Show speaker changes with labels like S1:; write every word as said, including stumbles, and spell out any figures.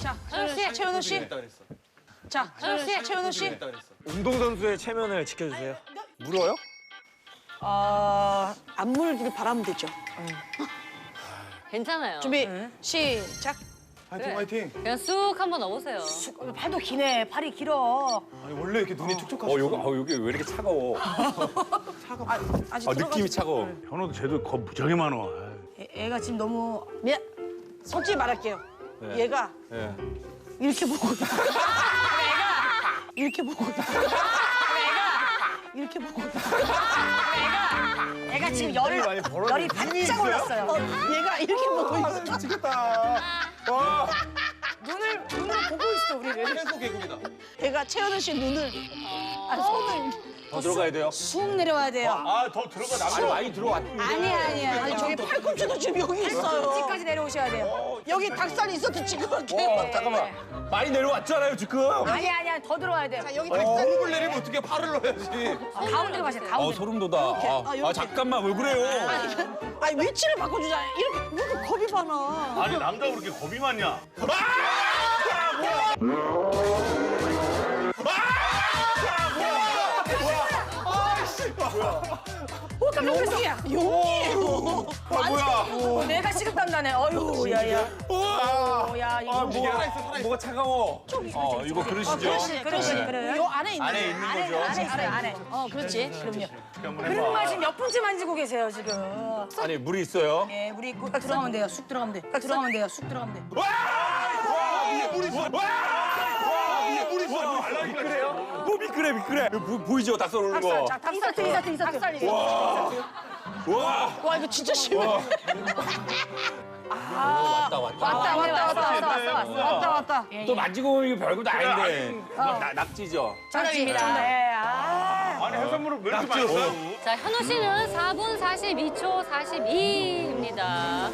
S1: 자, 현우 씨, 최현우 씨. 자, 현우 씨, 최현우 씨.
S2: 운동선수의 체면을 지켜주세요. 물어요?
S1: 어, 안 물길 바라면 되죠.
S3: 괜찮아요.
S1: 준비, 시작.
S4: 화이팅
S3: 그래.
S4: 화이팅.
S3: 그냥 쑥 한번 넣어보세요.
S1: 팔도 기네, 팔이 길어.
S4: 아니 원래 이렇게 눈이 촉촉하시죠?
S2: 어, 여기, 어, 여기 왜 이렇게 차가워?
S1: 아, 아직
S2: 아,
S1: 들어가지-
S2: 느낌이 차가워.
S5: 현호도 쟤도 겁 무지하게 많아.
S1: 애, 애가 지금 너무 미안. 솔직히 말할게요.
S2: 네.
S1: 얘가
S2: 예.
S1: 이렇게 보고 있어. 애가 이렇게 보고 있어. 애가 이렇게 보고 있어. 애가 애가 지금 열을
S4: 많이 벌어져.
S1: 열이 바짝 올랐어요. 어, 얘가 이렇게 보고 있어.
S4: 미치겠다. 와.
S1: 눈을 눈으로 보고 있어 우리를.
S4: 최소 개구리다.
S1: 애가 최현우 씨 눈을 아 손을
S2: 더 들어가야 돼요?
S1: 쑥 내려와야 돼요.
S5: 아, 더 들어가
S2: 아니, 많이 들어왔는데.
S1: 아니 아니 아니 저기 팔꿈치도 지금 여기 있어요. 여기까지 내려오셔야 돼요. 여기 닭살이 있어도 지금 이렇게.
S2: 어, 잠깐만. 많이 내려왔잖아요, 지금.
S1: 아니 아니 더 들어와야 돼요. 자 여기
S4: 아니
S1: 닭살.
S4: 무릎을 내리면 어떻게 팔을 넣어야지.
S1: 아, 가운데로 가세요.
S2: 어,
S1: 가운데.
S2: 소름 돋아. 아,
S1: 아,
S2: 아,
S1: 요렇게.
S2: 잠깐만, 왜 그래요?
S1: 아니 위치를 바꿔주잖아요. 이렇게 왜 이렇게 겁이 많아.
S5: 아니, 남자가 그렇게 겁이 많냐?
S1: 어, 용기야. 용기예요.
S4: 아 뭐야?
S1: 어, 내가 식은땀 나네. 어휴, 야야. 어, 야 이거.
S2: 아, 뭐가, 뭐가 차가워. 어, 이거 그러시죠?
S1: 그렇지, 그렇지, 그래. 요 안에 있는.
S2: 안에 있는 거죠?
S1: 안에 있어요, 안에. 어, 그렇지. 그럼요. 그런 맛이 몇 분째 만지고 계세요 지금.
S2: 아니, 물이 있어요?
S1: 예, 우리 꼭 들어가면 돼요. 쑥 들어가면 돼. 들어가면 돼요. 쑥 들어가면 돼.
S4: 위에 물 있어. 위에 물 있어.
S2: 미끄래요? 뭐 미끄래, 미끄래. 보, 보이죠? 닭살 오는 거.
S1: 자, 닭살, 이사트, 이사트. 닭살, 이사트.
S2: 와.
S1: 와, 이거 진짜 심해.
S2: 왔다, 왔다.
S1: 왔다, 왔다, 왔다, 왔다, 왔다, 왔다, 왔다.
S2: 또 만지고 이거 별것도 아닌데. 나, 낙지죠?
S1: 정답입니다. 예, 아.
S5: 아니, 해산물을 왜 이렇게 많이 먹어?
S3: 자, 현우 씨는 사 분 사십이 초 사십이입니다.